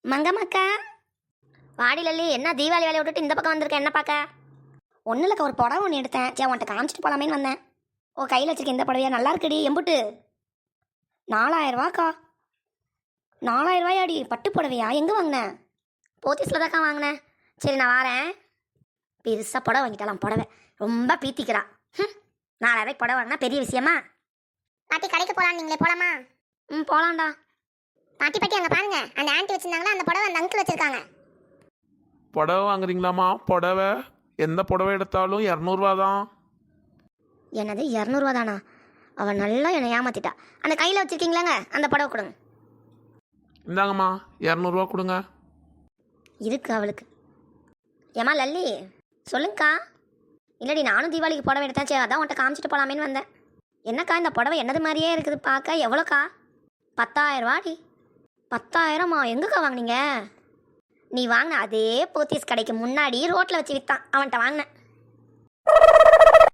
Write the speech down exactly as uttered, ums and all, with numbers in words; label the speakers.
Speaker 1: மங்கம்மாக்கா, வாடி லல்லி. என்ன தீபாவளி வேலையை விட்டுட்டு இந்த பக்கம் வந்திருக்கேன், என்ன பார்க்க? ஒன்றும் இல்லைக்கா, ஒரு புடவை ஒன்று எடுத்தேன். சே, உன்ட்ட காமிச்சிட்டு போகலாமேன்னு வந்தேன். ஓ, கையில் வச்சிருக்கேன். இந்த புடவையா நல்லா இருக்குடி. எம்புட்டு? நாலாயிரரூவாக்கா. நாலாயிரம் ரூபாயாடி? பட்டு புடவையா? எங்கே வாங்கினேன்? போத்தீஸில் தான்க்கா வாங்கினேன். சரி, நான் வரேன். பெருசாக புடவை வாங்கிட்டாலாம். புடவை ரொம்ப பீத்திக்கிறா. ம், நாலாயிரம் ரூபாய்க்கு புடவை வாங்கினா பெரிய விஷயமா?
Speaker 2: பாட்டி கடைக்கு போலாம், நீங்களே போலாமா?
Speaker 1: ம், போகலாம்டா.
Speaker 2: பாட்டி பாட்டி அங்க பாருங்க, அந்த ஆன்ட்டி வச்சிருந்தாங்களா அந்த புடவை அந்த அங்கிள் வச்சிருக்காங்க.
Speaker 3: புடவை வாங்குறீங்களாம்மா? புடவை எந்த புடவை எடுத்தாலும் இரநூறுவா தான்.
Speaker 1: என்னது இரநூறுவா தானா? அவள் நல்லா என்னை ஏமாத்திட்டா. அந்த கையில் வச்சுருக்கீங்களாங்க, அந்த புடவை கொடுங்க.
Speaker 3: இந்தாங்கம்மா, இரநூறுவா கொடுங்க.
Speaker 1: இருக்கு அவளுக்கு. ஏமா லல்லி, சொல்லுங்கக்கா. இல்லடி, நானும் தீபாவளிக்கு புடவை எடுத்தேன். சரி, அதான் உன்ட்ட காமிச்சிட்டு போகலாமேன்னு வந்தேன். என்னக்கா, இந்த புடவை என்னது மாதிரியே இருக்குது பார்க்க. எவ்வளோக்கா? பத்தாயிரரூவாடி. பத்தாயிரமா? எங்கக்கா வாங்கினீங்க? நீ வாங்கின அதே போத்தீஸ் கடைக்கு முன்னாடி ரோட்டில் வச்சு விற்றான், அவன்கிட்ட வாங்கினேன்.